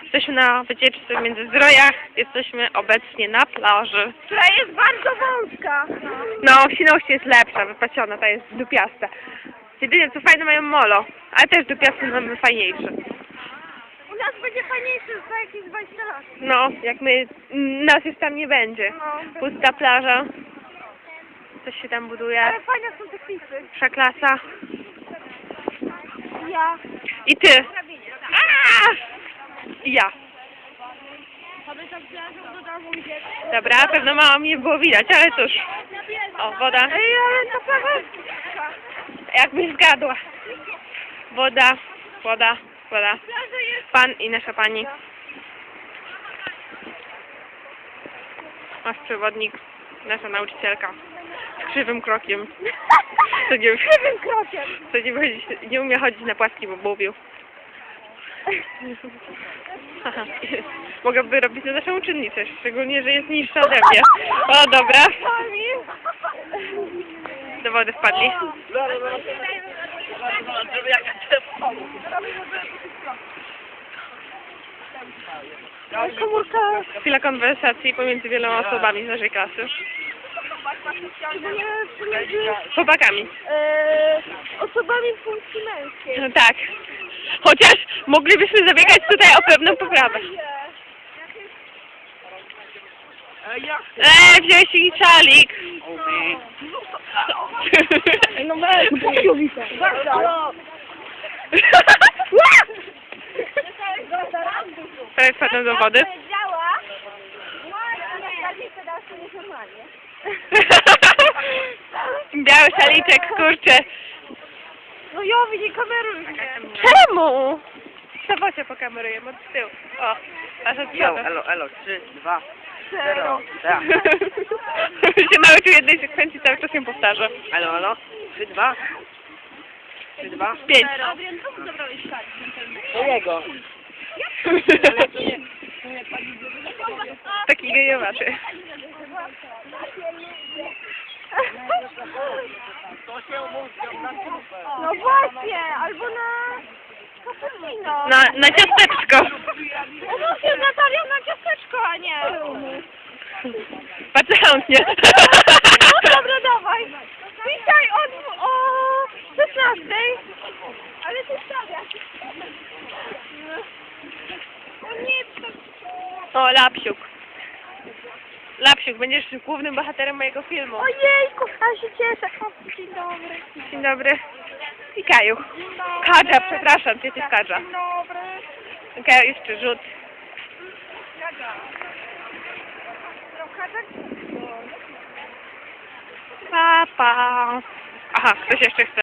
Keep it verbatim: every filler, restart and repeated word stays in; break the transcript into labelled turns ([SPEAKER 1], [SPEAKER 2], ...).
[SPEAKER 1] Jesteśmy na wycieczce w Międzyzdrojach. Jesteśmy obecnie na plaży.
[SPEAKER 2] Która jest bardzo wąska.
[SPEAKER 1] No, w Świnoujściu jest lepsza, wypasiona, ta jest dupiasta. Jedynie co fajne mają molo, ale też dupiasty mamy fajniejsze.
[SPEAKER 2] U nas będzie fajniejszy za jakieś dwadzieścia lat.
[SPEAKER 1] No, jak my, nas już tam nie będzie.
[SPEAKER 2] No.
[SPEAKER 1] Pusta plaża. Coś się tam buduje.
[SPEAKER 2] Ale fajne są te klipy.
[SPEAKER 1] Przeklasa.
[SPEAKER 2] Ja.
[SPEAKER 1] I ty. Aaa! I ja.
[SPEAKER 2] Aby tak plażą do domu idzie.
[SPEAKER 1] Dobra, pewno mało mnie było widać, ale cóż. O, woda.
[SPEAKER 2] Ej, ale to plaża jest...
[SPEAKER 1] Jakbyś zgadła. Woda, woda, woda.
[SPEAKER 2] Plaża jest...
[SPEAKER 1] Pan i nasza pani. Nasz przewodnik, nasza nauczycielka. Z krzywym krokiem. Co nie,
[SPEAKER 2] Krzywym krokiem.
[SPEAKER 1] co nie, chodzi, nie umie chodzić na płaski, bo mówił. Aha. Mogłaby robić na naszą uczennicę, szczególnie, że jest niższa ode mnie. O, dobra. Do wody wpadli.
[SPEAKER 2] Komórka.
[SPEAKER 1] Chwila konwersacji pomiędzy wieloma osobami z naszej klasy.
[SPEAKER 2] Szczególnie pomiędzy
[SPEAKER 1] Chłopakami.
[SPEAKER 2] e, osobami funkcji męskiej.
[SPEAKER 1] No tak. Chociaż moglibyśmy zabiegać tutaj o pewną poprawę. Eee, wziąłeś ich czalik.
[SPEAKER 2] No weź, pokiowita.
[SPEAKER 1] Prawie wpadłem do wody. Biały szaliczek, kurczę.
[SPEAKER 2] No ja nie kameruj mnie.
[SPEAKER 1] Czemu? Co się pokamerujemy od tyłu. O, aż od
[SPEAKER 3] Jo,
[SPEAKER 1] przodu.
[SPEAKER 3] elo, elo, trzy, dwa,
[SPEAKER 2] Zero.
[SPEAKER 3] tak.
[SPEAKER 1] się nauczył jednej sekwencji, cały czas ją powtarza.
[SPEAKER 3] Elo, elo, trzy, dwa, trzy, dwa.
[SPEAKER 1] Pięć.
[SPEAKER 2] Adrian, co zabrałeś tak?
[SPEAKER 3] Mojego.
[SPEAKER 1] Taki gejowaty.
[SPEAKER 2] No właśnie, albo na cappuccino.
[SPEAKER 1] Na, na ciasteczko.
[SPEAKER 2] Umów się z Natalią na ciasteczko, a nie.
[SPEAKER 1] Bardzo chętnie.
[SPEAKER 2] No dobra, dawaj. Dzisiaj o, o szesnastej. Ale ty stawiasz. No nie, to...
[SPEAKER 1] O, Lapsiuk. Lapsiuk, będziesz głównym bohaterem mojego filmu.
[SPEAKER 2] Ojejku, ja się cieszę. O, dzień dobry.
[SPEAKER 1] Dzień dobry. I Kaju. Kadża, przepraszam cię, ty Kadża.
[SPEAKER 2] Dzień dobry.
[SPEAKER 1] Kaju, jeszcze rzut. Pa, pa. Aha, ktoś jeszcze chce.